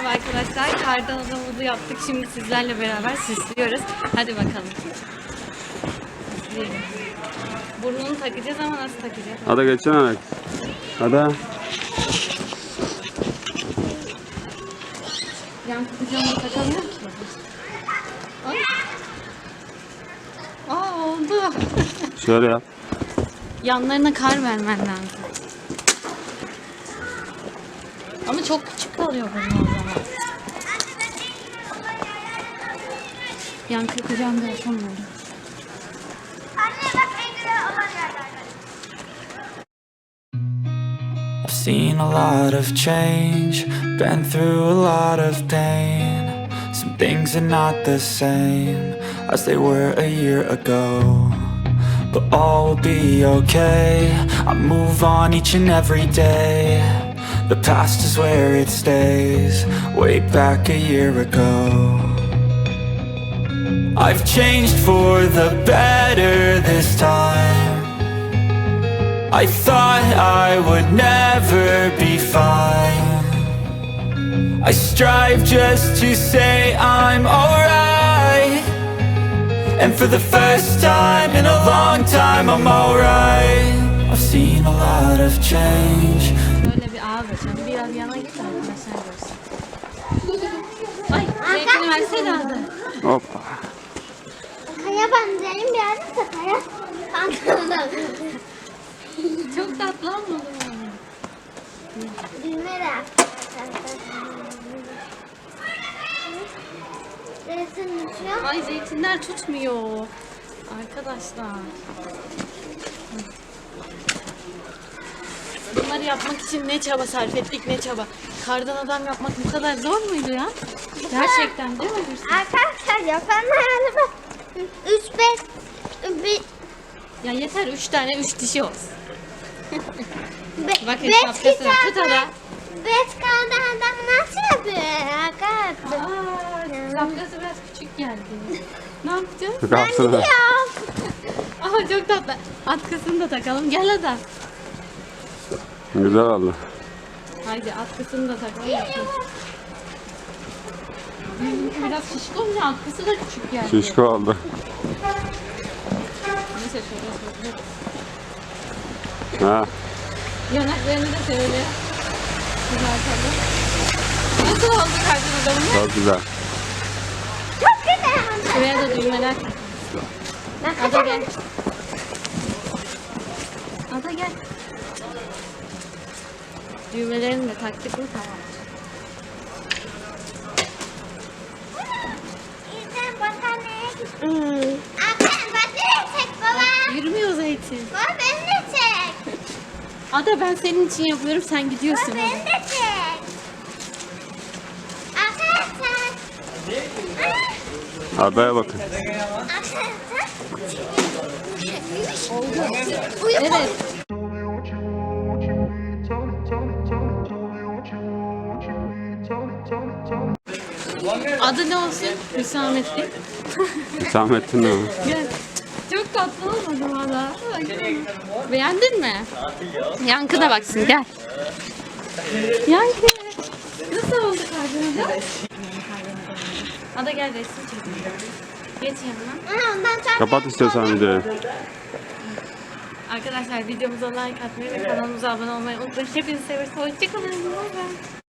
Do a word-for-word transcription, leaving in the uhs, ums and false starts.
Merhaba arkadaşlar, kardan adamımızı yaptık. Şimdi sizlerle beraber süslüyoruz. Hadi bakalım. Süsleyelim. Burnunu takacağız ama nasıl takacağız? Hadi geçsene Alex. Hadi. Yan kutucuğunu takamıyor ki. Ay. Aa oldu. Şöyle yap. Yanlarına kar vermen lazım. Ama çok küçük kalıyor bunun o zaman. Yankı kucağında yapamıyorum. I've seen a lot of change, been through a lot of pain. Some things are not the same as they were a year ago, but all will be okay. I move on each and every day. The past is where it stays, way back a year ago. I've changed for the better this time. I thought I would never be fine. I strive just to say I'm alright, and for the first time in a long time I'm alright. I've seen a lot of change. Böyle bir ağız açalım. Biraz yana git arkadaşlar görsün. Ay, zeytini versene hadi. Hoppa. Kaya benzerim biraz da kaya pantolon. Çok tatlı olmadı mı? Düğme de resim düşüyor. Ay zeytinler tutmuyor. Arkadaşlar. Bunları yapmak için ne çaba sarf ettik, ne çaba. Kardan adam yapmak bu kadar zor muydu ya? Gerçekten değil mi Hüsnü? Arkadaşlar yapanlar bak. Üç beş bir Ya yeter üç tane üç dişi olsun. be, Bakın beş şapkası kişi var. Tut adam- ara. beş kaldı adam nasıl yapıyor arkadaşlar? Aa, şapkası biraz küçük geldi. Ne yapacağız? Ben Kalsın. gidiyorum. Ama çok tatlı. Atkısını da takalım. Gel hadi. Güzel oldu. Haydi atkısını da takalım. Benimki biraz şişko olunca atkısı da küçük geldi. Şişko oldu. Neyse şöyle şöyle. Ha. Yanaklarını da şöyle kızartalım. Nasıl oldu kardan adamı? Çok güzel. Çok güzel. Şuraya da düğmeler takalım. Ben Ada gel. kaçarım. Ada gel. Düğmelerini de taktık mı tamam. İzlen battaniye gitti. Arkadaşlar battaniye çek baba. Yürümüyor zeytin. Baba beni de çek. Ada ben senin için yapıyorum sen gidiyorsun. Baba beni de çek. Arkadaşlar. Adaya bakın. Arkadaşlar. Evet. Adı ne olsun? Hüsamettin. Hüsamettin mi? Gel. Çok tatlı olmadı mı Ada? Beğendin mi? Yankı da baksın gel. Yankı. Nasıl oldu kardeşim? Ada gel resim çekelim. Geç yanına. Aha, ondan sonra Kapat istiyorsan videoyu. Arkadaşlar videomuza like atmayı ve kanalımıza abone olmayı unutmayın. Hepinizi seviyoruz. Hoşçakalın. Bye bye.